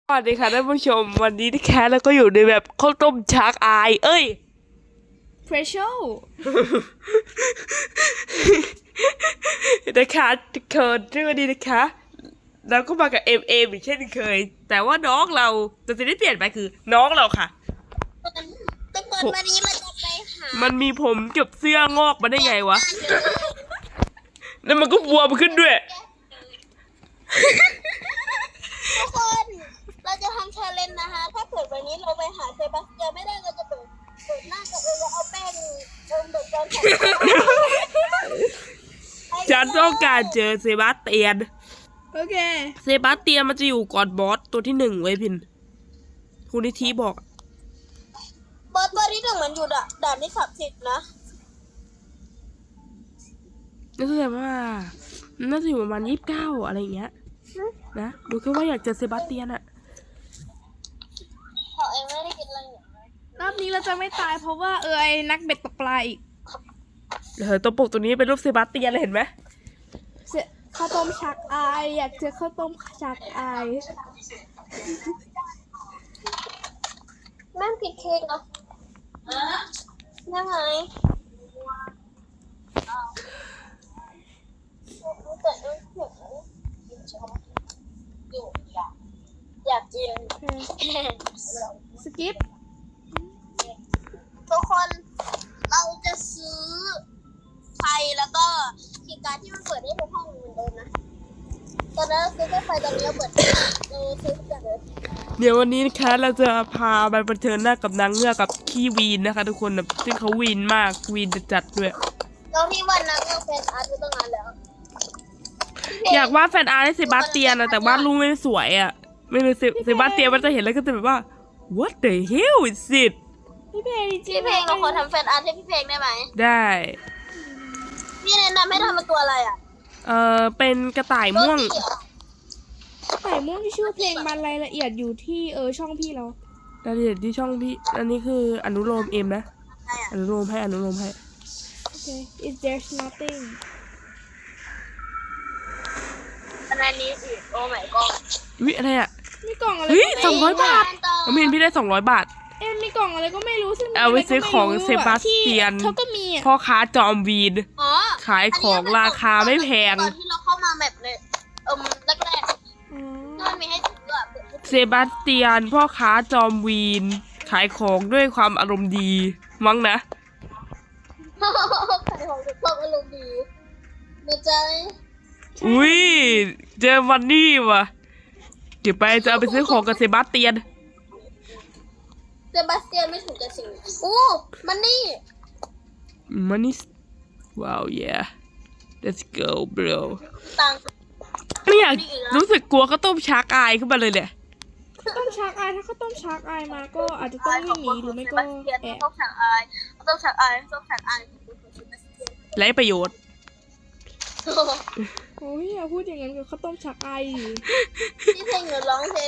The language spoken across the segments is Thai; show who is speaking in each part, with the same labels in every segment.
Speaker 1: สวัสดีค่ะท่านผู้ชมวันนี้ที่แคสแล้วก็อยู่ในแบบข้าวต้มชาร์กอาย
Speaker 2: เพรสโช
Speaker 1: นะคะเคิร์ดเรื่องนี้นะคะเราก็มากับเอมอีกเช่นเคย แต่ว่าน้องเราแต่สิ่งที่เปลี่ยนไปคือน้องเราค่ะ
Speaker 3: ทุกคนวันนี้เราจะไปหา
Speaker 1: มันมีผมเกับเสื้องอกมาได้ไงวะแล้วมันก็บวมขึ้นด้วย
Speaker 3: ทุกคนเราจะทำชาเลนจ์นะคะถ้าเกิดวันนี้เราไปหาเซบาสเตียนไม่ได้เราจะเปิดหน้ากับเราเอาแป้งเด็กกัน
Speaker 1: ฉันต้องการเจอเซบาสเตียน
Speaker 2: โอเค
Speaker 1: เซบาสเตียนมันจะอยู่ก่อนบอสตัวที่1ไว้พินคุณนิธิบอก
Speaker 3: บอสตัวที่หนึ่งมันอยู่ด่านที่30นะ
Speaker 1: น่าจะแบบว่าน่าจะอยู่ประมาณ29อะไรอย่างเงี้ยนะดูแค่ว่าอยากเจอเซบาสเตียนอะ
Speaker 3: เขาเองไม่ได้กินอะไรอย่างนี้
Speaker 2: รอบนี้เราจะไม่ตายเพราะว่าไอ้นักเบ็ดตกปลาอีก
Speaker 1: ตัวปกตัวนี้เป็นรูปเซบาสเตียนเลยเห็นไหม
Speaker 2: ข้าวต้มชักอายอยากเจอข้าวต้มชักอาย
Speaker 3: แม่ผิดเค้กเหรอยังไงอยากกิน
Speaker 2: สกิป
Speaker 3: ทุกคนเราจะซื้อไฟแล้วก็คีย์การ์ดที่มันเปิดได้ทุกห้องเหมือนเดิมนะตอนนั้นเราซื้อแค่ไฟตอนนี้เราเปิดเราซื้อทุกอย่างเลย
Speaker 1: เดี๋ยววันนี้นะคะเราจะพาไปเผชิญหน้ากับนางเงือกกับขี้วีนนะคะทุกคนแบบซึ่งเขาวีนมากวีนจัดๆด้วย
Speaker 3: เราที่วันนั้นเราเป็นอาร์ตไปตั้งนานแล้ว
Speaker 1: อยากวาดแฟนอาร์ตให้เซบาสเตียนนะแต่วาดรูปไม่สวยอะไม่รู้เซบาสเตียนมันจะเห็นแล้วก็จะแบบว่า what the hell is it
Speaker 2: พี่เพลงจริ
Speaker 3: พี่เพลงเราขอทำแฟนอาร์ตให้พี่เพลงได้ไหม
Speaker 1: ได้
Speaker 3: พี่แนะนำให้ทำเป็นตัวอะไรอ่ะ
Speaker 1: เป็นกระต่ายม่วง
Speaker 2: ไก่ม่วงที่ชื่อเพลงมันรายละเอียดอยู่ที่ช่องพี่เรา
Speaker 1: รายละเอียดที่ช่องพี่อันนี้คืออนุโลมเอ็มนะ
Speaker 3: ใช่อ่ะ
Speaker 1: อนุโลมให้
Speaker 2: โอเค is there's nothing
Speaker 3: อันนี้อีกโอ้ my god
Speaker 1: วิอะไรอะ
Speaker 2: มีกล่องอะไร
Speaker 1: เฮ้ย
Speaker 2: ก็ไม่
Speaker 1: 200 บาทน้องมินพี่ได้200 บาท
Speaker 2: มีกล่องอะไรก็ไม่รู้ซึ่ง
Speaker 1: เอาไว้ซื้อของเซบาสเตียน
Speaker 2: เขาก็มีอ่ะ
Speaker 1: พ่อค้าจอมวีน
Speaker 3: อ๋อ
Speaker 1: ขายของราคาไม่แพง
Speaker 3: ตอนที่เราเข้ามาแบบเลยแรก
Speaker 2: อ๋อ
Speaker 3: ๆที่มันมีให้ถืออ่ะ
Speaker 1: เซบาสเตียนพ่อค้าจอมวีน ขายของด้วยความอารมณ์ดี มั้งนะ
Speaker 3: ขายของด้วยความอารมณ์ดีนะจ๊ะ
Speaker 1: อุ้ยเจอมันนี่ว่ะเดี๋ยวไปจะเอาไปซื้อของกับเซบาสเตียน
Speaker 3: เซบาสเตียนไม่ถูกกับสิ่งโอ้มันนี่
Speaker 1: มันนี่ว้าว yeah let's go bro
Speaker 3: ตังค์
Speaker 1: ไม่อยากรู้สึกกลัวก็ต้มชาร์กอายขึ้นมาเลยเนี่ย
Speaker 2: ต้มชักอายถ้าเขาต้มชักอายมาก็อาจจะต้องวิ่งหนีหรือไม่ก็แอบ
Speaker 3: ต้องฉากอายต้องฉากอายต้องฉากอาย
Speaker 1: ไร้ประโยชน์
Speaker 2: โอ้ยอย่าพูดอย่างนั้นกับข้าวต้มชักอายดิ
Speaker 3: ที่เพลงหนูร้องเพลง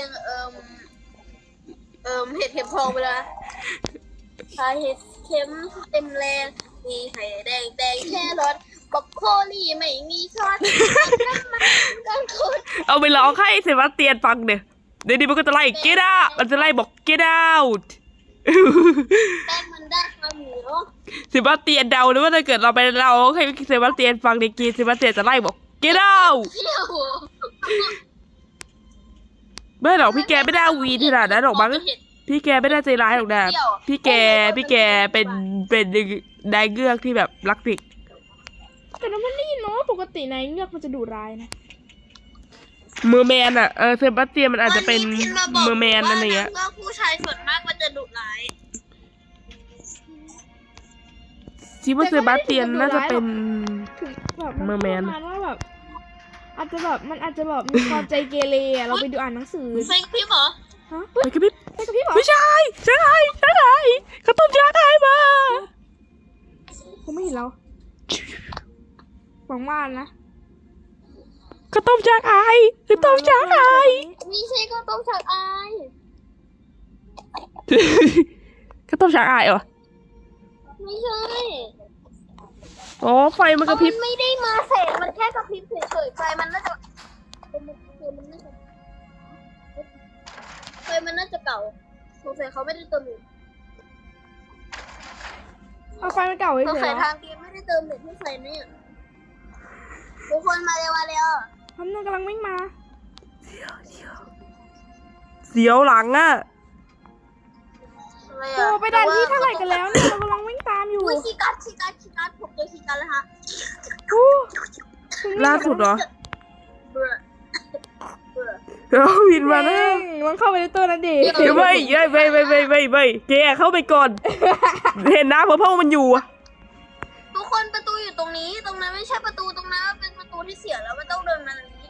Speaker 3: เห็ดเข็มทองไปแล้วพาเห็ดเข็มเต็มแรงมีไข่แดงแค่รสบอกโคลี่ไม่มีช้อนกันคน
Speaker 1: เอาไปร้องให้เซบาสเตียนฟังเดี๋ยวนี้มันก็จะไล่ get out มันจะไล่บอก get out
Speaker 3: แป้งมันได้ความเหนียว
Speaker 1: เซบาสเตียนเดาหรือว่าถ้าเกิดเราไปเราให้เซบาสเตียนฟังในกีเซบาสเตียนจะไล่บอก get out
Speaker 3: เที่ยว
Speaker 1: ไม่หรอกพี่แกไม่ได้วีนขนาดนั้นหรอกมั้งพี่แกไม่ได้ใจร้ายหรอกนะพี่แกเป็นนายเงือกที่แบบรักเด็ก
Speaker 2: แต่เราไม่ได้ยินเนาะปกตินายเงือกมันจะดุร้ายนะ
Speaker 1: เมอร์แมนอะเซบาสเตียนมันอาจจะเป็นเมอร์แมนอะไรเงี้ย
Speaker 3: ว่าผู้ชายส่วนมากมันจะดุร้าย
Speaker 1: คิดว่าเซบาสเตียนน่าจะเป็น
Speaker 2: ถึงแบบ
Speaker 1: เมอร์แมน
Speaker 2: ประาณว่าแบบอาจจะแบบมันอาจจะแบบมีความใจเกเรอะเราไปดูอ่านหนังสือ
Speaker 3: เซ็งพี่เหรอ
Speaker 2: ฮะ
Speaker 1: ไปกับพี่
Speaker 2: ไปกับพี่เหรอ
Speaker 1: ไม่ใช่เขาต้มชาไทยมา
Speaker 2: เขาไม่เห็นเราหวังว่านะ
Speaker 1: เขาต้มชาไทยเขาต้มชาไทย
Speaker 3: ไม่ใช่ก็ต้องฉากอาย
Speaker 1: เขาต้มชาไทยเหรอ
Speaker 3: ไม่ใช่
Speaker 1: อ๋อไฟมันกระพริบ
Speaker 3: มันไม่ได้มาแสงมันแค่กระพริบเฉยๆไฟมันน่าจะมันน่าจะมันน่าจะเก่าสงสัยเขาไม่ได้เติมเน็ต
Speaker 2: เอาไฟมันเก่า
Speaker 3: สง
Speaker 2: เฉ
Speaker 3: สั
Speaker 2: ย
Speaker 3: ยทางเกมไม่ได้เติมเน็ตให้ไฟเนี่ยทุกคนมาเร็วมาเร็ว
Speaker 2: ๆทำนึงกำลังวิ่งมา
Speaker 1: เสียวหลังอ่ะ
Speaker 3: อะไร
Speaker 2: โอ้
Speaker 3: อะ
Speaker 2: ไปด่านที่เท่าไหร่กันแล้วเนี่ยเรากำลังวิ่งตามอยู่
Speaker 3: อุ้ยคีย์การ์ดผมเจอคีย์การ์ดแล้วฮะ
Speaker 2: อู้
Speaker 1: ล่าสุดเหรอ
Speaker 3: เบื่อเบื่อ
Speaker 1: เดี๋ยววินมาแล้ว
Speaker 2: มันเข้าไปในตัวนั้นดิ
Speaker 1: เดี๋ยวไม่แกเข้าไปก่อน เห็นนะเพราะมันอยู่อะ
Speaker 3: ทุกคนประตูอยู่ตรงนี้ตรงนั้นไม่ใช่ประตูตรงนั้นเป็นประตูที่เสียแล้วไม่ต้องเดินมาตรงนี้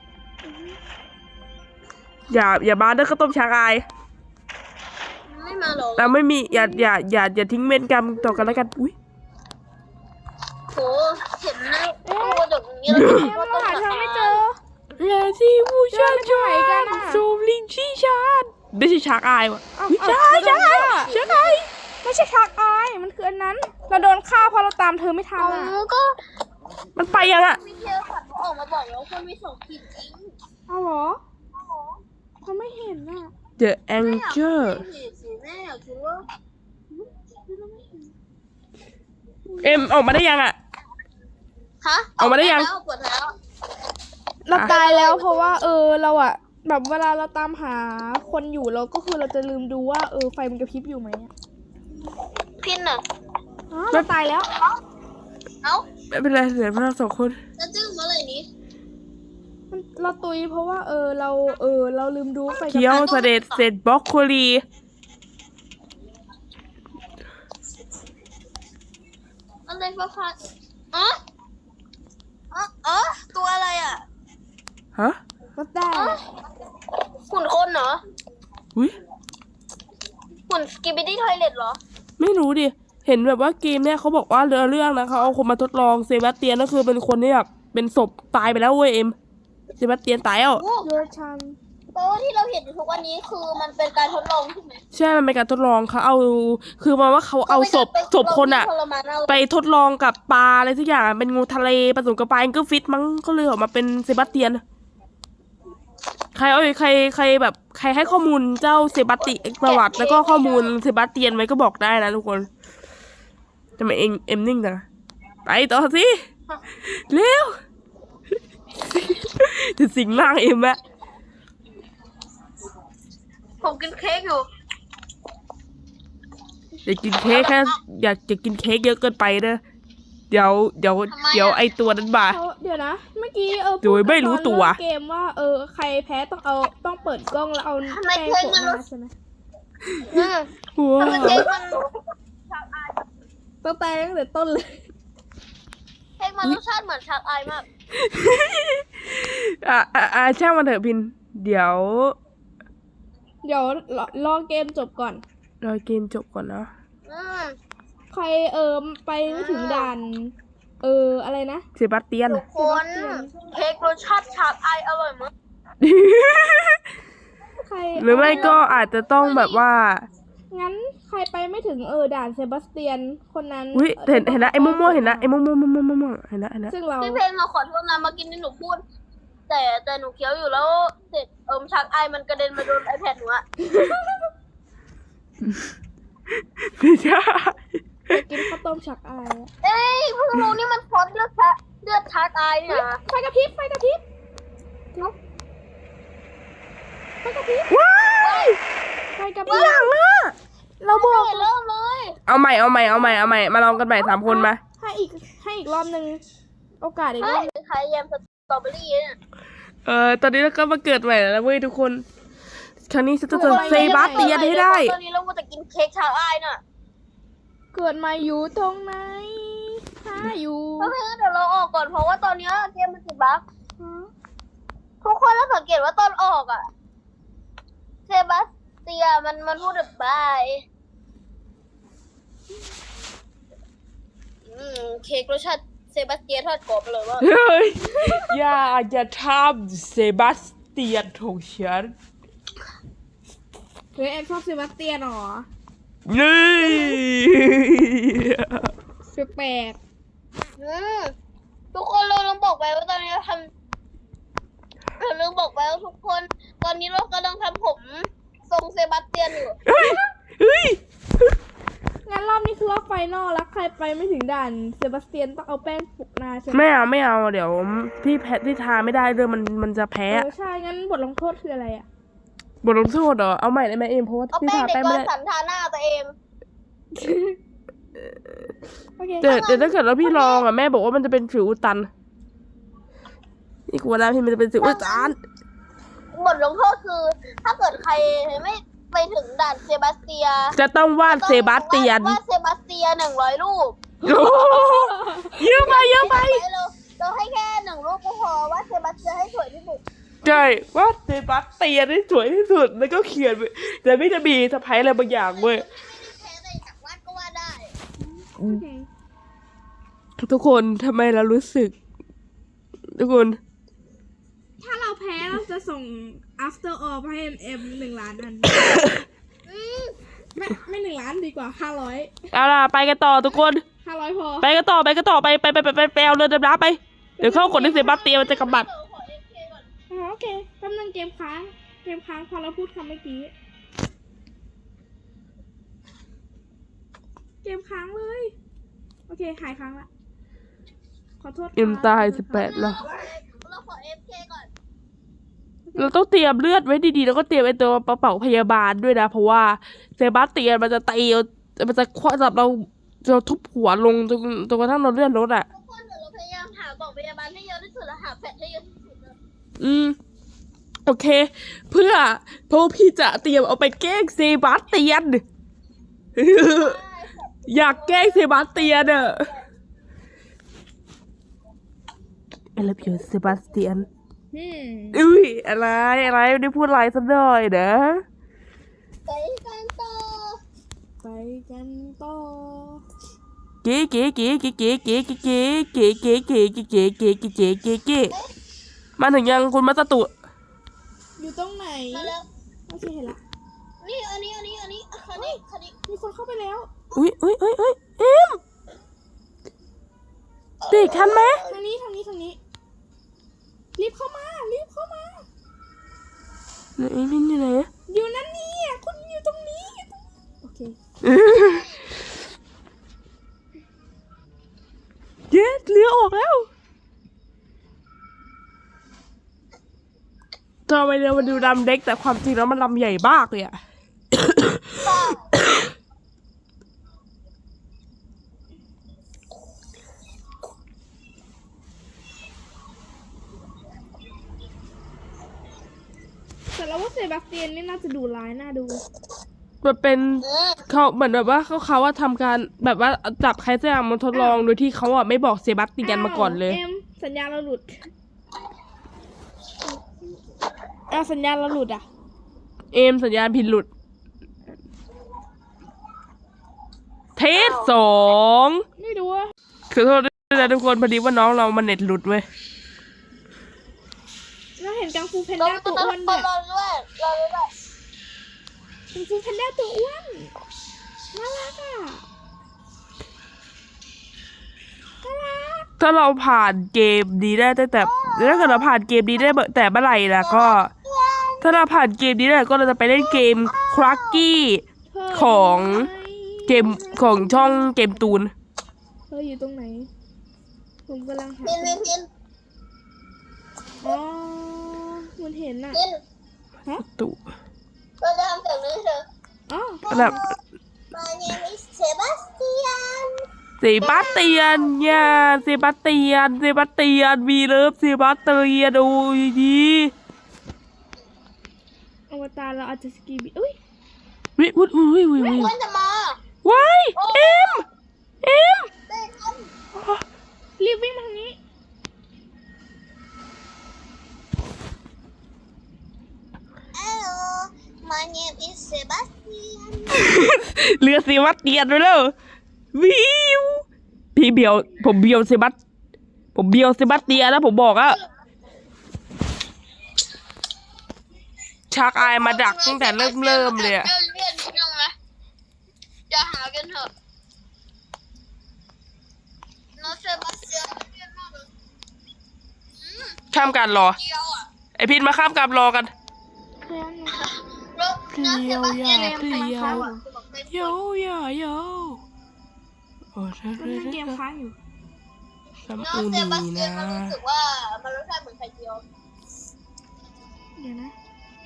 Speaker 1: อย่ามาเด้อข้าวต้มชางอาย
Speaker 3: ไม่มาหรอก
Speaker 1: แต่ไม่มีอย่าทิ้งเวรกรรมต่อกันแล้วกันอุ้ย
Speaker 3: โหเห็นหน้าตัวกระจกอย่างนี้แล้วก็คิดว่า
Speaker 2: เรา
Speaker 3: ต้อง
Speaker 2: หาทางไม่เจอ
Speaker 1: อย่าสิผู้ชาย
Speaker 2: เจอไม่ไหวกันอะ
Speaker 1: สูบลิงชี้ชานไม่ใช่ชางอายว่ะ
Speaker 2: เอ้า
Speaker 1: อุ๊ย
Speaker 2: เอ้า
Speaker 1: ใช่
Speaker 2: ไม่ใช่ชักอายมันคืออันนั้น เราโดนฆ่าเพราะเราตามเธอไม่ทัน
Speaker 3: เอา
Speaker 2: อ่ะ
Speaker 3: ก็
Speaker 1: มันไปยังอะ
Speaker 3: วิทยาศาสตร์เขาออกมาบอกแล้วคนมี2 ขีดจริง
Speaker 2: เอาเหรอเขาไม่เห็นอ่ะ
Speaker 1: The
Speaker 3: ไม่อยาก
Speaker 1: Anchor
Speaker 3: เห็นสิแม่อยากคิดว่า
Speaker 1: เอ็มออกมาได้ยังอะ
Speaker 3: ฮะ
Speaker 1: ออกมาได้ยัง
Speaker 3: เปิดแล้ว
Speaker 2: เราตายแล้วเพราะว่าเราอะแบบเวลาเราตามหาคนอยู่เราก็คือเราจะลืมดูว่าไฟมันกระพริบอยู่ไหมอะ
Speaker 3: พินอ่ะ
Speaker 2: อ๋อเราตายแล้ว
Speaker 3: เอ้า
Speaker 1: ไม่เป็นไรเหลือพวกเรา2 คน
Speaker 3: แล้วจึ้งเมื่อไหร่นี้
Speaker 2: เราตุยเพราะว่าเราลืมดูไฟกระพ
Speaker 1: เคี้ยว
Speaker 2: ริบ
Speaker 1: เสด็จเสร็จบล็อกโคลี
Speaker 3: อะไรฟ้าฟ้าอ๋ออ๋อตัวอะไรอ่ะ
Speaker 1: ฮะ
Speaker 2: ก็ได้
Speaker 3: หุ่นคนเหรอ
Speaker 1: อุ้ย
Speaker 3: หุ่นสกิบิดี้ทอยเล็ตเหรอ
Speaker 1: ไม่รู้ดิ เห็นแบบว่าเกมเนี่ยเขาบอกว่าเรื่องนะเขาเอาคนมาทดลองเซบาสเตียนก็คือเป็นคนที่แบบเป็นศพตายไปแล้วเว้ยเอ็มเซบาสเตียนตายแล้ว
Speaker 2: โยชัน
Speaker 3: เพราะว่าที่เราเห็นอยู่ทุกวันนี้คือมันเป็นการทดลองใช่ไหม
Speaker 1: ใช่ มันเป็นการทดลองเขาเอา คือมาว่าเขาเอาศพคนอะ
Speaker 3: ทรมานเอา
Speaker 1: ไปทดลองกับปลาอะไรทุกอย่างอะเป็นงูทะเลผสมกับปลาแองเกิลฟิตมั้งก็เลยออกมาเป็นเซบาสเตียน ใครแบบใครให้ข้อมูลเจ้าเซบาสติประวัติแล้วก็ข้อมูลเซบาสเตียนไว้ก็บอกได้นะทุกคนทำไมเอ็มนิ่งจังอะไปต่อสิเร็ว จะสิงร่างเอ็มอะ
Speaker 3: ผมกินเค้กอยู่
Speaker 1: อยากกินเค้กแค่อยากจะกินเค้กเยอะเกินไปเด้อเดี๋ยวไอตัวนั้นมา
Speaker 2: เดี๋ยวนะ เมื่อกี้พู
Speaker 1: โดยไม่รู้ตัว
Speaker 2: ตอนเริ่มเกมว่าใครแพ้ต้องเปิดกล้องแล้วเอาแป้งโปะหน้าใช่ไหม
Speaker 1: ว้า
Speaker 3: ทำไม
Speaker 1: ว
Speaker 3: เค้กมัน
Speaker 2: ต้องแต่ตั้งแต่ต้นเลย
Speaker 3: เค้กมันรสชาติเหมือนชักอายมาก
Speaker 1: ช่างมันเถอะพิน เดี๋ยว
Speaker 2: เดี๋ยวรอเกมจบก่อน
Speaker 1: รอเกมจบก่อนนะ
Speaker 3: อืม
Speaker 2: ใครไปไม่ถึงด่านอะไรนะ
Speaker 1: เซบาสเตียน
Speaker 3: ทุกคนเค้กรสชาติชักอายอร่อยมาก
Speaker 2: ใคร
Speaker 1: หรือไม่ก็อาจจะต้องแบบว่า
Speaker 2: งั้นใครไปไม่ถึงด่านเซบาสเตียนคนนั้น
Speaker 1: อุ้ยเห็นนะไอ้ม่วงๆเห็นนะไอ้ม่วงเห็นนะ
Speaker 2: ซึ่งเรา
Speaker 3: พี่เพลงเราขอโทษนะเมื่อกี้ที่หนูพูด แต่หนูเคี้ยวอยู่แล้วเสร็จชักอายมันกระเด็นมาโดน iPad หนูอะ
Speaker 1: ไม่ใช่
Speaker 2: จะกินข้าวต้มฉักอายอะ
Speaker 3: เอ้ยเพิ่งรู้นี่มันพอดเลือดชักอายเนี่ยนะ
Speaker 2: ไฟกระพริบไฟกระพริบไฟกระพริบ
Speaker 1: ว้าย
Speaker 2: ไฟกระพริบ
Speaker 1: หลังอะ
Speaker 2: เราบอก
Speaker 3: เริ่มเลย
Speaker 1: เอาใหม่มาลองกันใหม่3 คนมา
Speaker 2: ให้อีกรอบหนึ่งโอกาสอีกร
Speaker 3: เฮ้
Speaker 2: อย บ
Speaker 3: คล้ายแยมสตรอเบอรี่เนี่ย
Speaker 1: ตอนนี้เราก็มาเกิดใหม่แล้วเว้ยทุกคน ครั้งนี้จะเซบาสเตียนให้ได้
Speaker 3: ตอนนี้เราจะกินเค้กชาอายน่ะ
Speaker 2: เกิดมาอยู่ตรงไหนหาอยู่
Speaker 3: เพราะงั้นเดี๋ยวเราออกก่อนเพราะว่าตอนนี้เกมมันติดบั๊กทุกคนแล้วสังเกตว่าตอนออกอะเซบาสเตียมันพูดแบบบายเค้กรสชาติเซบาสเตียทอดกรอบเลยว่า
Speaker 1: เฮ้ยอย่าทำเซบาสเตียนของฉัน
Speaker 2: เฮ้ยแอนชอบเซบาสเตียนเหรอ
Speaker 1: นี่
Speaker 2: แปลก
Speaker 3: ทุกคนเราลืมบอกไปว่าตอนนี้เราลืมบอกไปว่าทุกคน ตอนนี้เรากำลังทำผมทรงเซบาสเตียนอยู่
Speaker 1: เฮ้ย
Speaker 2: งั้นรอบนี้คือรอบไฟนอลแล้วใครไปไม่ถึงด่านเซบาสเตียนต้องเอาแป้งปุกหน้าใช่ไหม
Speaker 1: ไม่เอาเดี๋ยวพี่แพ้ที่ทาไม่ได้เลยมันจะแพ้
Speaker 2: ใช่งั้นบทลงโทษคืออะไรอ่ะ
Speaker 1: บทลงโทษเหรอเอาใหม่ได้ไหมเอ็มเพราะว่า
Speaker 3: เอา
Speaker 1: พี่
Speaker 3: แป้ง
Speaker 1: ทา
Speaker 3: เด็ก
Speaker 1: แป้ง
Speaker 3: ก็
Speaker 1: ไม่ได้
Speaker 3: สันทาหน้าตัวเอง
Speaker 2: โอเค
Speaker 1: เดี๋ยวถ้าเกิดแล้วพี่ลองอ่ะแม่บอกว่ามันจะเป็นสิวอุดตันนี่กลัวนะพี่มันจะเป็นสิวอุดตัน
Speaker 3: บทลงโทษคือ ถ้าเกิดใครไม่ไปถึงด่านเซบาสเตีย
Speaker 1: จะต้องวาดเซบาสเตียน
Speaker 3: วาดเซบาสเตีย100 รูป
Speaker 1: โอ้โหเยอะไป
Speaker 3: เราให้แค่1 รูปก็พอวาดเซบาสเตียให้สวยที่สุด
Speaker 1: ใช่วาดเซบาสเตียนให้สวยที่สุดแล้วก็เขียนไว้แต่ไม่จะมีสะพายอะไรบางอย่างเว้ย
Speaker 3: แพ้แต่จากวาดก็วาดได้
Speaker 2: โอเค
Speaker 1: ทุกคนทำไมเรารู้สึก ทุกคน
Speaker 2: ถ้าเราแพ้เราจะส่ง after all ให้ MM 1 ล้านอัน ไม่1 ล้านดีกว่า 500
Speaker 1: เอาล่ะไปกันต่อทุกคน
Speaker 2: 500 พอ
Speaker 1: ไปกันต่อไปเอาเรือดำน้ำไปเดี๋ยวเข้ากดในเซบาสเตียนมันจะกำบัด
Speaker 3: ขอ FK ก่อน
Speaker 2: โอเคกำลังเกมค้างพอเราพูดคำเมื่อกี้ เกมค้างเลย โอเคหายค้างละ ขอโทษค่ะ
Speaker 1: เอ็มตาย18แล้ว
Speaker 3: เราขอ FK ก่อน
Speaker 1: เราต้องเตรียมเลือดไว้ดีๆแล้วก็เตรียมไอ้ตัวกระเป๋าพยาบาลด้วยนะเพราะว่าเซบาสเตียนมันจะตีมันจะคว้าจับเราทุบหัวลงจนกระทั่งเราเลื่อนรถอ่ะ
Speaker 3: ทุกคนเดี๋ยวเราพยายามหากล่องพยาบาลให้เยอะที่สุดและหาแพทให้เยอะที่สุดเลย
Speaker 1: โอเค เพราะพี่จะเตรียมเอาไปแกล้งเซบาสเตียน อยากแกล้งเซบาสเตียนอะI love you เซบาสเตียนอุ้ยอะไรไม่ได้พูดอะไรสักหน่อยนะ
Speaker 3: ไปกันต่อ
Speaker 2: ไปกันต่อ
Speaker 1: เก๋มาถึงยังคุณมัตตุ
Speaker 2: อยู่ตรงไหน
Speaker 3: มาแล้ว
Speaker 2: โอเคเห็นละ
Speaker 3: นี่อันนี้คันนี้
Speaker 2: มีคนเข้าไปแล้ว
Speaker 1: อุ้ยเอ็มติดทันไหม
Speaker 2: ทางนี้รีบเข้ามา
Speaker 1: ไหนมินอยู่ไหน
Speaker 2: อยู่นั่นนี่อ่ะคุณอยู่ตรงนี้ โอเค
Speaker 1: เย้เลี้ยวออกแล้วทำไมเรือมันดูดำเด็กแต่ความจริงแล้วมันลำใหญ่มากเลยอะ
Speaker 2: แต่เราว่าเซบาสเตียนนี่น่าจะดูร้ายน่าดู
Speaker 1: มันเป็นเขาเหมือนแบบว่าเขาว่าทำการแบบว่าจับใครสักอย่างมาทดลองโดยที่เขาอ่ะไม่บอกเซบาสเตียนมาก่อนเลย
Speaker 2: เอ็มสัญญาณเราหลุดสัญญาณเราหลุดอ่ะ
Speaker 1: เอมสัญญาณผิดหลุด เทส2
Speaker 2: ไม่รู้ว่า
Speaker 1: ขอโทษด้วยนะทุกคนพอดีว่าน้องเรามันเน็ตหลุดเว้ย
Speaker 2: เราเห็นกังฟูแพน
Speaker 3: เรา
Speaker 2: ด้าตัวอ้วน
Speaker 3: ร
Speaker 2: ด้
Speaker 3: อ
Speaker 2: วย
Speaker 3: ด้วย
Speaker 2: กังฟูแพนด้าตัวอ้วนน่ารักอ่ะน่ารัก
Speaker 1: ถ้าเราผ่านเกมนี้ได้แต่ถ้าเกิดเราผ่านเกมนี้ได้แต่เมื่อไหร่ล่ะก็ ถ้าเราผ่านเกมนี้ได้ก็เราจะไปเล่นเกมครักกี้
Speaker 2: เธอ
Speaker 1: ของเกม
Speaker 2: อยู่ไหน
Speaker 1: ของช่องเกมตูน
Speaker 2: เธออยู่ตรงไหน ผมกำลังหา
Speaker 3: พิน
Speaker 2: อ๋อมันเห็นอ่ะ
Speaker 1: ตุ
Speaker 3: เราจะทำเสียงนี้เธอ
Speaker 2: อ๋อ
Speaker 1: แบบ
Speaker 3: My name is Sebastian
Speaker 1: เซบาสเตียนเนี่ยเซบาสเตียนวีเลิฟเซบาสเตียนโอ้ยดี
Speaker 2: อวตารเราอาจจะสกีบีอุ้ย
Speaker 1: วิวุ้ย
Speaker 3: เพื่อนจะมา
Speaker 1: ว้ายเอ็ม
Speaker 3: เต้นกัน
Speaker 2: รีบวิ่งมาทางนี้
Speaker 3: Hello My name is Sebastian
Speaker 1: เรือเซบาสเตียนไปแล้ววิวพี่เบียวผมเบียวเซบาสเตียนแล้วผมบอกอะชักอายมาดักตั้งแต่เริ่มเลยอะ
Speaker 3: เรียนนิดนึงนะอย่าหากันเถอะน้องเซบาสเตียนเรียนมากเลย
Speaker 1: ข้ามการรอ
Speaker 3: เดียวอ่ะ
Speaker 1: ไอพินมาข้ามการรอกัน
Speaker 2: แค่นั้น
Speaker 3: แล้วนะเซบาสเตียน
Speaker 1: เปลี่ยว โยโยโยโอ้ใช่
Speaker 2: มันเล่นเกมค้างอยู่
Speaker 1: น้ำ
Speaker 3: เนาะ
Speaker 1: อู
Speaker 3: เซ
Speaker 1: นี
Speaker 3: บาสเตียน
Speaker 1: นะ
Speaker 3: มันรู้สึกว่ามันรสชาติเหมือนไข่เจียว
Speaker 2: เดี๋ยวนะ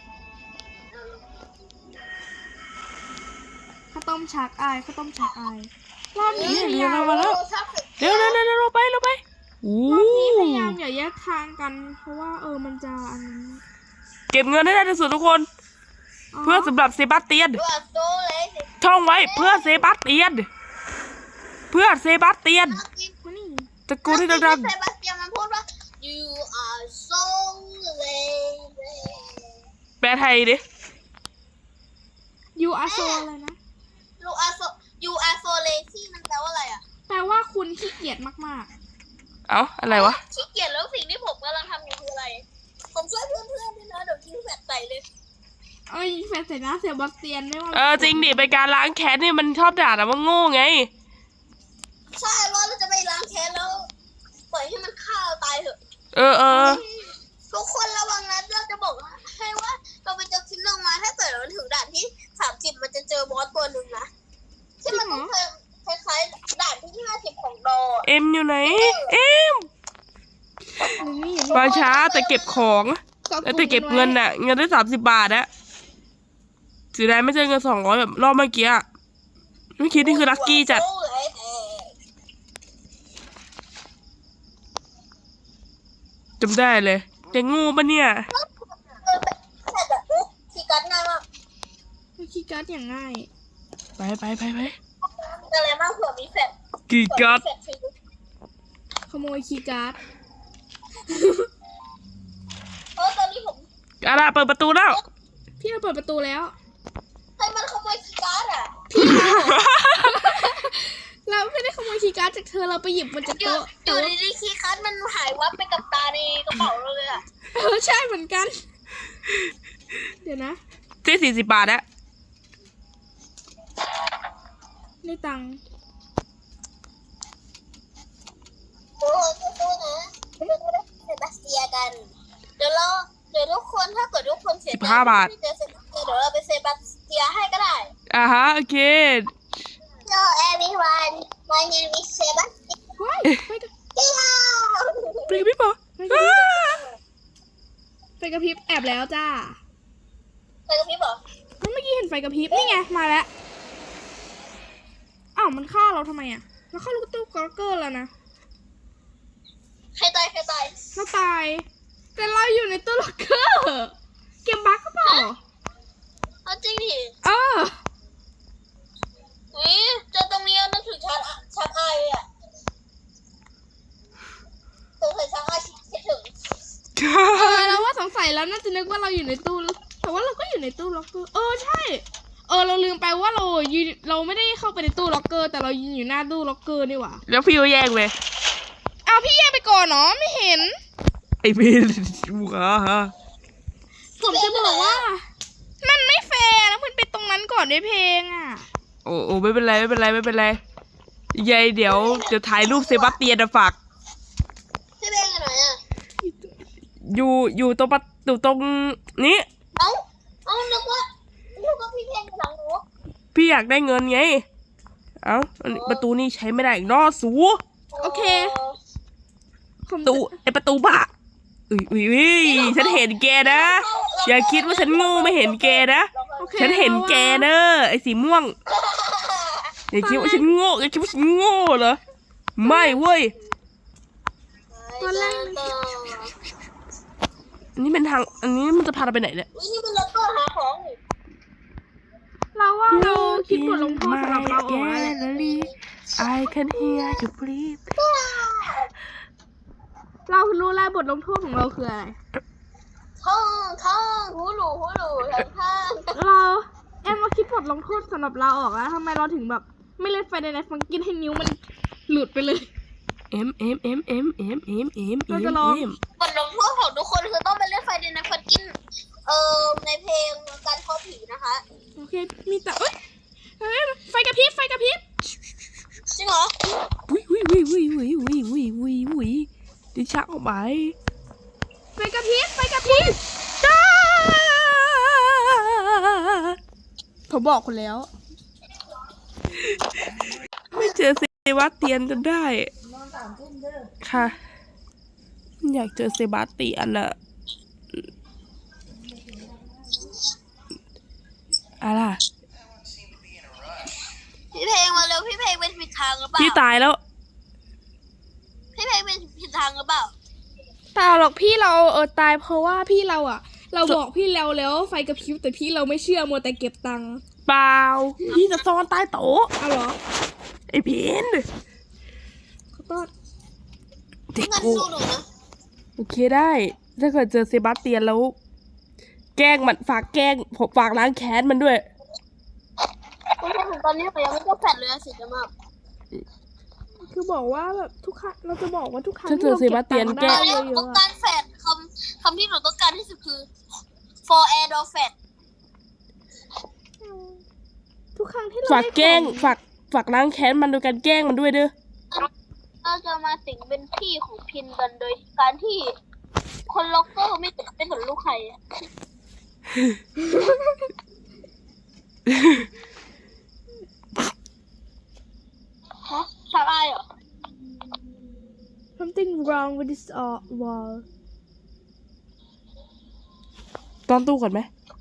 Speaker 2: ข้าวต้มชักอายข้าวต้มชักอายรอบนี้พยายาม
Speaker 1: มาแล้ว เร็วเราไปอู้
Speaker 2: รอบนี้พยายามอย่าแยกทางกัน เพราะว่ามันจะอันนั้น
Speaker 1: เก็บเงินให้ได้ที่สุดทุกคน เพื่อสำหรับเซบาสเตียน
Speaker 3: ดูอ่ะโซเลยสิ
Speaker 1: ท่องไว้เพื่อเซบาสเตียน เพื่อเซบาสเตียน
Speaker 2: มานี่
Speaker 1: ตะโกนให้ดัง
Speaker 3: เซบาสเตียนมันพูดว่า you are so lazy
Speaker 1: ๆแปลไทยดิ
Speaker 2: ยูอาโซอะไรนะ
Speaker 3: you are so lazy มันแปลว่าอะไรอ่ะ
Speaker 2: แปลว่าคุณขี้เกียจมาก
Speaker 1: เอ้าอะไรวะ
Speaker 3: ขี้เกียจแล้วสิ่งที่ผมกำลังทำอยู่คืออะไร ผมช่วยเพื่อนๆด้วยนะเดี๋ยวยิงแฟลชใส่เลย
Speaker 2: ๆยิงแฟนใส่หน้าเซบาสเตียนไม่ว่า
Speaker 1: จริงดิเป็นการล้างแค้นนี่มันชอบด่าแต่ว่าโง่ไง
Speaker 3: ใช่ว่าเราจะไปล้างแค้นแล้วปล่อยให้มันฆ่าเราตายเถอะ
Speaker 1: เออ
Speaker 3: ทุกคนระวังนะเราจะบอกให้ว่าเราไปเจอคลิปลงมาถ้าเกิดเราถึงด่านที่30มันจะเจอบอสตัวหนึ่งนะที่มันต้องคล้ายๆด่านที่50ของดอ
Speaker 1: เอ็มอยู่ไหน เอ็ม
Speaker 2: นี่
Speaker 1: มาช้าแต่เก็บของแต่เก็บเงินน่ะ เงินได้30 บาทอะเสียดายไม่เจอเงิน200แบบรอบเมื่อกี้อะเมื่อกี้นี่คือลัคกี้จัด จำได้เลยแต่งูปะเนี่ย
Speaker 3: แต่แบบคีย์การ์ดง่ายมาก
Speaker 2: คีย์การ์ดอย่างง่าย
Speaker 1: ไป
Speaker 3: อะไรมากเผื่อมีแฟลช
Speaker 1: กี่กัด
Speaker 3: แฟลชฟรี
Speaker 2: ขโมยคีย์การ์ด
Speaker 3: ตอนนี้ผม
Speaker 1: อะไรเปิดประตูแล้ว
Speaker 2: พี่เราเปิดประตูแล้ว
Speaker 3: ให้มันขโมยคีย์การ์ดอ่ะ
Speaker 2: เราไม่ได้ขโมยคีย์การ์ดจากเธอเราไปหยิบมันจาก
Speaker 3: อยู่
Speaker 2: โต๊ะ
Speaker 3: อ
Speaker 2: แต่
Speaker 3: ยู่
Speaker 2: ว่า
Speaker 3: ดีๆคีย์การ์ดมันหายวับไปกับตาในกระเป๋าเราเลยอ่ะ
Speaker 2: ใช่เหมือนกัน เดี๋ยวนะ
Speaker 1: ที่40 บาทอะ
Speaker 2: ในตังค์
Speaker 3: โอ้สู้ๆนะเราจะได้เซบาสเตียกัน เดี๋ยวทุกคนถ้าเกิดทุกคนเสียใจที่เจอเซบาสเตียเดี๋ยวเราไปเซบาสเตียให้ก็ได้
Speaker 1: ฮะโอเค
Speaker 3: Hello everyone my name is Sebastian
Speaker 2: ว้ายไปกับ
Speaker 1: ไปกับพี่ปอ
Speaker 2: ไฟกระพริบแอบแล้วจ้า
Speaker 3: ไปกับพี่บอก
Speaker 2: เมื่อกี้เห็นไฟกระพริบนี่ไงมาแล้วอ้าวมันฆ่าเราทำไมอ่ะเราเข้าลูกตู้กอร์เกอร์แล้วนะ
Speaker 3: ใครตาย
Speaker 2: เราตาย แต่เราอยู่ในตู้ล็อกเกอร์เกมบั๊กก็เปล่า
Speaker 3: เอาจริงดิ
Speaker 2: เออ
Speaker 3: เจอตรงนี้นึกถึงชักอายเลยอ่ะสงสัยชักอายคิดถึง
Speaker 2: เราว่าสงสัยแล้วน่าจะนึกว่าเราอยู่ในตู้แต่ว่าเราก็อยู่ในตู้ล็อกเกอร์ใช่เราลืมไปว่าเราไม่ได้เข้าไปในตู้ล็อกเกอร์แต่เรายืนอยู่หน้าตู้ล็อกเกอร์นี่หว่า
Speaker 1: แล้วพี่ก็แยกเลย
Speaker 2: อ้าวพี่แยกไปก่อนเนาะไม่เห็น
Speaker 1: ไอพี่ฮะ
Speaker 2: ผมจะบอกว่า มันไม่แฟร์แล้วมันไปตรงนั้นก่อนด้วยเพลงอ่ะ
Speaker 1: โอ้ไม่เป็นไรยายเดี๋ยวถ่ายรูปเซบาสเตียนฝาก
Speaker 3: พี่เบงกันหน่อยอ่ะ
Speaker 1: อยู่ตรงตรงนี้
Speaker 3: เอานึกว่าพี่เพลงหลังหนู
Speaker 1: พี่อยากได้เงินไง เอ้าประตูนี่ใช้ไม่ได้อีกนอสู
Speaker 2: โอเค
Speaker 1: ประตูบ้าอุ้ยฉันเห็นแกนะ อย่าคิดว่าฉันโง่ไม่เห็นแกนะ
Speaker 2: โอเค
Speaker 1: ฉันเห็นแกเนอะไอ้สีม่วง อย่าคิดว่าฉันโง่อย่าคิดว่าฉันโง่เหรอ ไม่เว้ย
Speaker 2: ตอนแรก
Speaker 1: อันนี้เป็นทาง อันนี้มันจะพาเราไปไหนเนี่ย
Speaker 3: นี่มันล็อกเกอร์หาของนี่
Speaker 2: เราว่าเราคิดบทลงโทษสำหรับเราออกแล้วแหละ
Speaker 1: I can hear you breathe
Speaker 2: เรารู้แล้วบทลงโทษของเราคืออะไร
Speaker 3: ท่องหูหลูท่าง
Speaker 2: เรามาคิดบทลงโทษสำหรับเราออกแล้วทำไมเราถึงแบบไม่เล่นไฟในไนท์ฟังกินให้นิ้วมันหลุดไปเลย เราจะลอง
Speaker 3: บทลงโทษของทุกคนคือต้องไปเล่นไฟเดนในฟันกินในเพลงการเข้าผีนะคะ
Speaker 2: โอเคมีแต่ไฟกระพริบ
Speaker 3: จริงเหรอ
Speaker 1: ดิฉันออกไป
Speaker 2: ไฟกระพริบ
Speaker 1: จ้า
Speaker 2: ผมบอกคุณแล้ว
Speaker 1: ไม่เจอเซบาสเตียนจนได้ค่ะ อยากเจอเซบาสเตียนอะอะไร
Speaker 3: พี่เพลงมาเร็วพี่เพลงเป็นผิดทางหรือเปล่า
Speaker 1: พี่ตายแล้ว
Speaker 3: พี่เพลงเป็นผิดทางหรือเปล่า
Speaker 2: เปล่าหรอกพี่เราตายเพราะว่าพี่เราอ่ะ เราบอกพี่แล้วไฟกระพริบแต่พี่เราไม่เชื่อมัวแต่เก็บตังค์
Speaker 1: เปล่า พี่จะซ่อนใต้โต๊ะ
Speaker 2: เอาเหรอ
Speaker 1: ไอ้เพน
Speaker 2: ขอโทษ
Speaker 1: เด็ก
Speaker 3: งั้น
Speaker 1: กู
Speaker 3: ดูหนูนะ
Speaker 1: โอเคได้ ถ้าเกิดเจอเซบาสเตียนแล้ว แกล้งมันฝากแกล้งผมฝากล้างแค้นมันด้วย
Speaker 3: คุณผู้ชมตอนนี้ผมยังไม่ต้องแฟดเลยอะสิจะมาก
Speaker 2: คือบอกว่าแบบทุกครั้งเราจะบอกว่าทุกครั้ง
Speaker 1: ถ้าเจอเซบาสเตียน
Speaker 2: ที่
Speaker 3: ต
Speaker 2: รา
Speaker 3: อน
Speaker 2: เก็
Speaker 3: นี้
Speaker 2: บ
Speaker 3: ผม
Speaker 2: ตั
Speaker 3: ต้อง
Speaker 2: งค์ได้
Speaker 3: การแฟดคำที่หนูต้องการที่สุดคือ for air door fat
Speaker 2: ทุกครั้งที่เรา
Speaker 1: ฝากแกล้ง
Speaker 2: ได้ของ
Speaker 1: ฝากล้างแค้นมันโดยการแกล้งมันด้วยเด้อ
Speaker 3: เราจะมาสิงเป็นพี่ของพินกันโดยการที่คนล็อกเกอร์ไม่สนลูกใครอะฮะชาลายเหรอ
Speaker 2: something wrong with this wall
Speaker 1: ตอนตู้ก่อนไหม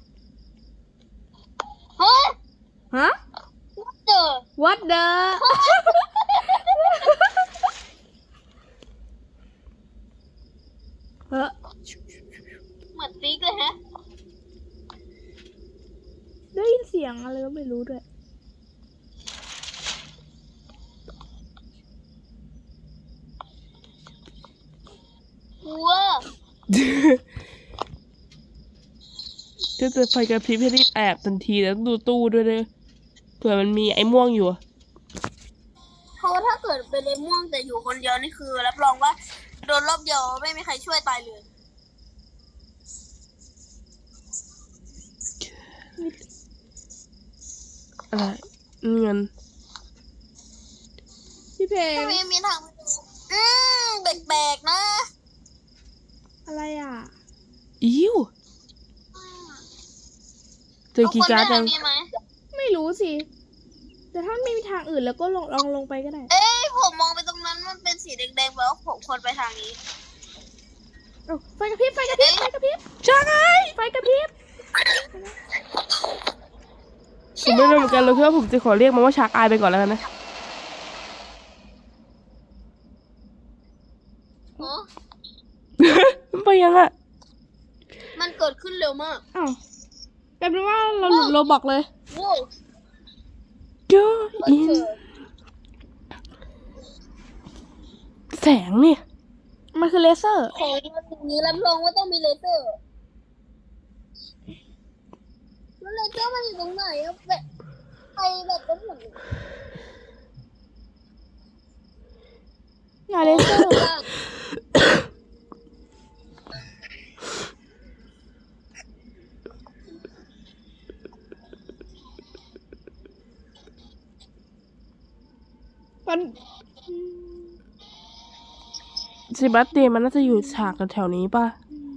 Speaker 3: เฮ้ย
Speaker 2: ฮะ
Speaker 3: เจอ
Speaker 2: what the เฮ้อ
Speaker 3: เหมือนติ๊กเลยฮะ
Speaker 2: ได้ยินเสียงอะไรก็ไม่รู้ด้วย
Speaker 3: กลัว
Speaker 1: ถ้าเจอไฟกระพริบให้รีบแอบทันทีแล้วดูตู้ด้วยเด้อเผื่อมันมีไอ้ม่วงอยู่อะ
Speaker 3: เพราะว่าถ้าเกิดเป็นเลม่วงแต่อยู่คนเดียวนี่คือรับรองว่าโดนรอบเดียวไม่มีใครช่วยตายเลย
Speaker 1: อะไรเงิน
Speaker 2: พี่เพลง
Speaker 3: ไม่มีทางแบกๆนะ
Speaker 2: อะไรอ่ะ
Speaker 1: อิ้วเจอกีย์การ์ด
Speaker 3: เอ
Speaker 1: ยัง
Speaker 3: คนไปทางนี้ไหม
Speaker 2: ไม่รู้สิ แต่ถ้าไม่มีทางอื่นแล้วก็ลองลงไปก็ได้
Speaker 3: เอ้ยผมมองไปตรงนั้นมันเป็นสีแดงๆแปลว่าผมควรไปทางนี้
Speaker 2: เอ้าไฟกระพริบไฟกระพริบไฟกระพริบ
Speaker 1: ใช่ไง
Speaker 2: ไฟกระพริบ
Speaker 1: ผมไม่รู้เหมือนกันเลยคือว่าผมจะขอเรียกมันว่าชาร์กอายไปก่อนแล้วกันนะ
Speaker 3: โอ้
Speaker 1: มันไปยังอะ
Speaker 3: มันเกิดขึ้นเร็วมาก
Speaker 2: อ้าวกลายเป็นว่าเราหลุดโรบอกเลย
Speaker 3: โว้ว
Speaker 1: เจออินแสงเนี่ย
Speaker 2: มันคือเลเซอร์
Speaker 3: ของอย่างนี้รับรองว่าต้องมีเลเซอร์แล้วเลเซอร์มันอยู่ตรงไหนอะแบบไฟแบบก็หมุน
Speaker 2: อย่าเลเซอร์ มัน
Speaker 1: เซบาสเตียนมันน่าจะอยู่ฉากแถวๆนี้ป่ะ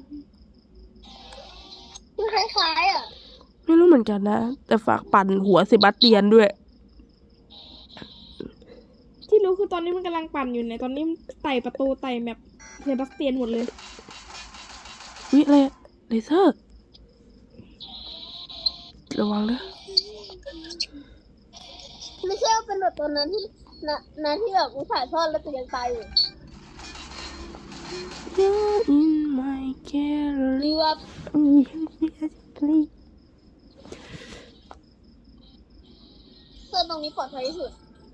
Speaker 3: คือคล้ายๆอ่ะ
Speaker 1: ไม่รู้เหมือนกันนะ แต่ฝากปั่นหัวเซบาสเตียนด้วย
Speaker 2: ที่รู้คือตอนนี้มันกำลังปั่นอยู่ในตอนนี้มันไต่ประตูไต่แมปเซบาสเตียนหมดเลย
Speaker 1: วิอะไรอะเลเซอร์ ระวังนะ
Speaker 3: ไม่ใช่ว่าเป็นแบบตอนนั้นที่นะที่แบบถ่ายทอดแล้วตัวยังตายอยู่
Speaker 1: You're in my gallery
Speaker 3: หรือว่าเสื้อตรงนี้ปลอดภัยที่สุด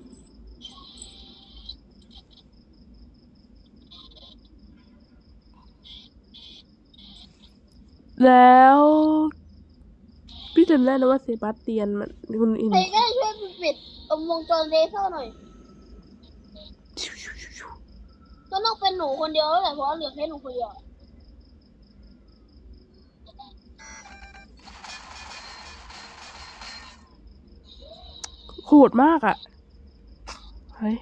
Speaker 1: แล้วพี่จำได้นะว่าเซบาสเตียนมันคุณอิน
Speaker 3: ใครก็ได้ช่วยปิดวงจรเลเซอร์หน่อยก็ต้องเป็นหนูคนเดียวแล้วแหละเพราะเหลือแค่หนูคนเดียว
Speaker 1: โหดมากอ่ะ เฮ้ย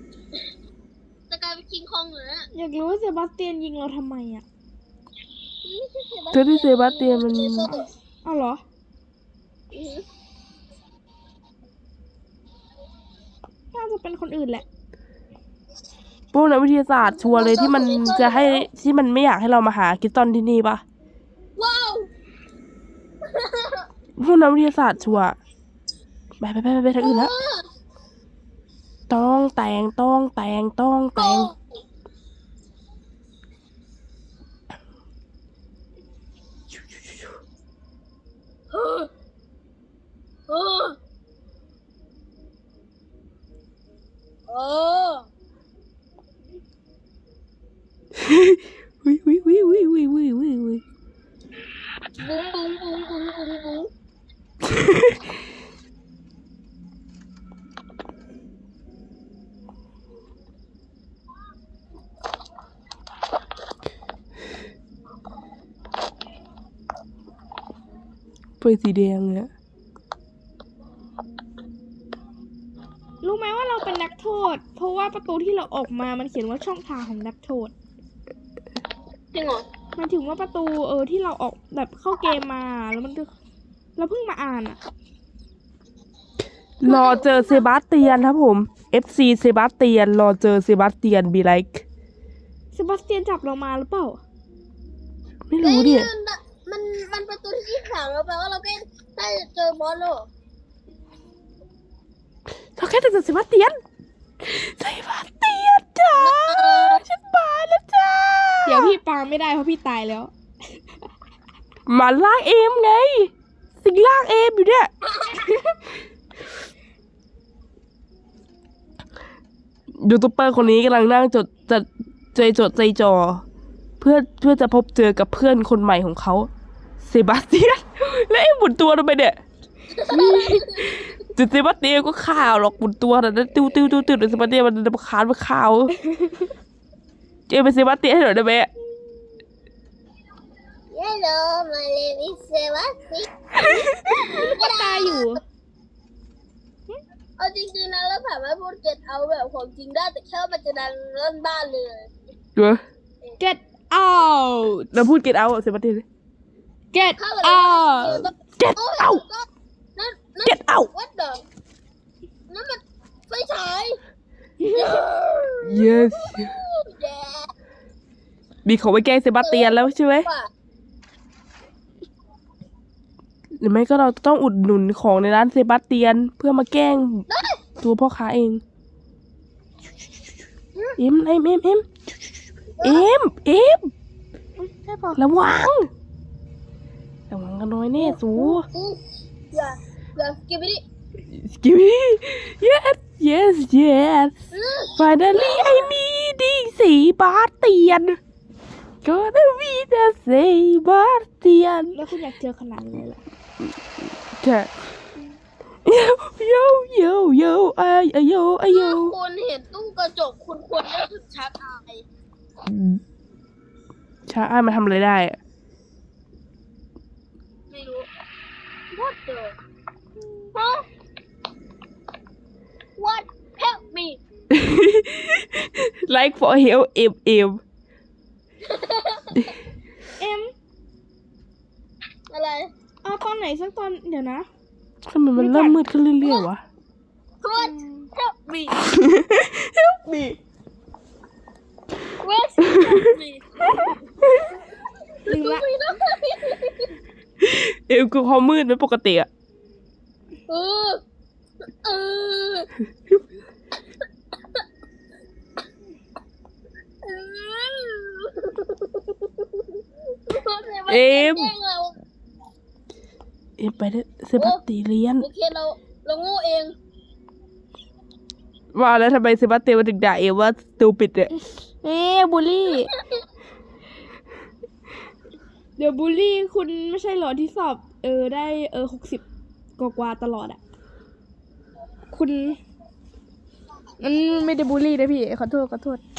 Speaker 3: จะกลายเป็นคิงคองเหรอเนี่ย
Speaker 2: อยากรู้ว่าเซบาสเตียนยิงเราทำไมอ่ะ
Speaker 3: ไ
Speaker 1: เธอที่เซบาสเตียนมัน
Speaker 2: เอาเหรอ น่าจะเป็นคนอื่นแหละ
Speaker 1: พวกนักวิทยาศาสตร์ชัวร์เลยที่มันจะให้ที่มันไม่อยากให้เรามาหาคริสตัลที่นี่ปะ
Speaker 3: ว้าว
Speaker 1: พวกนักวิทยาศาสตร์ชัวร์ไปทางอื่นแล้วต้องแต่ง
Speaker 3: เออเออเออ
Speaker 1: วิ
Speaker 3: บุ้งบุ้งบุ้งบุ้งบุ้งบุ้ง
Speaker 1: ไฟสีแดงเนี่ย
Speaker 2: รู้ไหมว่าเราเป็นนักโทษ เพราะว่าประตูที่เราออกมามันเขียนว่าช่องทางของนักโทษ
Speaker 3: จริงเหรอ
Speaker 2: หมายถึงว่าประตูที่เราออกแบบเข้าเกมมาแล้วมันเราเพิ่งมาอ่านอะ
Speaker 1: รอเจอเซบาสเตียนครับผม FC เซบาสเตียนรอเจอเซบาสเตียนบีไลค์
Speaker 2: เซบาสเตียนจับเรามาหรือเปล่า
Speaker 1: ไม่รู้ดิ
Speaker 3: มันประตูที่3แล้วแปลว่าเราก็ได้เจอบอสแล้ว
Speaker 1: เราแค่เจอเซบาสเตียนจ้าฉันมาแล้วจ้า
Speaker 2: เดี๋ยวพี่ปาไม่ได้เพราะพี่ตายแล้ว
Speaker 1: มาลากเอมไง สิ่งลากเอมอยู่เนี่ยยูทูบเบอร์คนนี้กำลังนั่งจดใจจ่อเพื่อจะพบเจอกับเพื่อนคนใหม่ของเขาเซบาสเตียน และไอ้หมุนตัวทำไมเนี่ย จุดเซบาสเตียนก็ข่าวหรอกหมุนตัวแต่นั้นติ้วแต่เซบาสเตียนมันคานมาข่าวเจเป็นเซบาสเตียนให้หน่อยได้ไหม
Speaker 3: Hello my name is Sebastian
Speaker 2: ก็ตายอยู่
Speaker 3: เอาจริงๆนะเราสามารถพูดเก็ตเอาแบบของจริงได้แต่แค่ว่ามันจะดังเล่นบ้านเลย
Speaker 1: เดี๋ยว
Speaker 2: get out
Speaker 1: เราพูดเก็ตเอาเซบาสเตียน
Speaker 2: get
Speaker 3: เข้าไปเลย
Speaker 2: out
Speaker 1: get out
Speaker 3: นั่น
Speaker 1: get out
Speaker 3: วัดเดิมนั่นมันไฟฉาย
Speaker 1: yes
Speaker 3: แดด
Speaker 1: มีเขาไว้แกล้งเซบาสเตียนแล้วใช่ไหม
Speaker 3: ว่ะ
Speaker 1: หรือไม่ก็เราต้องอุดหนุนของในร้านเซบาสเตียนเพื่อมาแกล้งตัวพ่อค้าเองเอ็มระวังกันน้อยแน่สู
Speaker 3: อย่ากินไปดิ
Speaker 1: Give me yes finally I meeting เซบาสเตียน gonna be the เซบาสเตียน
Speaker 2: แล้วคุณอยากเจอขนาดนี้เลยเหรอ
Speaker 1: ใช่โยอาโย
Speaker 3: ถ้าคุณเห็นตู้กระจกคุณควรนึกถึงชักอาย
Speaker 1: ช้าอ้ายมาทำอะไรได้อะ
Speaker 3: ไม่รู้ What the Huh What help me
Speaker 1: like for help เอ็ม
Speaker 2: เอ็ม
Speaker 3: อะไร
Speaker 2: เอาตอนไหนสักตอนเดี๋ยวนะ
Speaker 1: ทำไมมันเริ่มมืดขึ้นเรื่อยๆวะ
Speaker 3: What help me
Speaker 1: help me
Speaker 3: What help me
Speaker 2: ลืมละ
Speaker 1: เอ็มคือความมืดไม่ปกติอะ
Speaker 3: เออเออ
Speaker 1: เอ็มไปได้เซบาสเตียน
Speaker 3: โอเคเราโง่เอง
Speaker 1: ว่าแล้วทำไมเซบาสเตียนมันถึงด่าเอ็มว่าตูปิดเนี่ย
Speaker 2: บูลลี่ เดี๋ยวบูลลี่คุณไม่ใช่เหรอที่สอบได้60กว่าตลอดอ่ะ คุณมันไม่ได้บูลลี่นะพี่ขอโทษ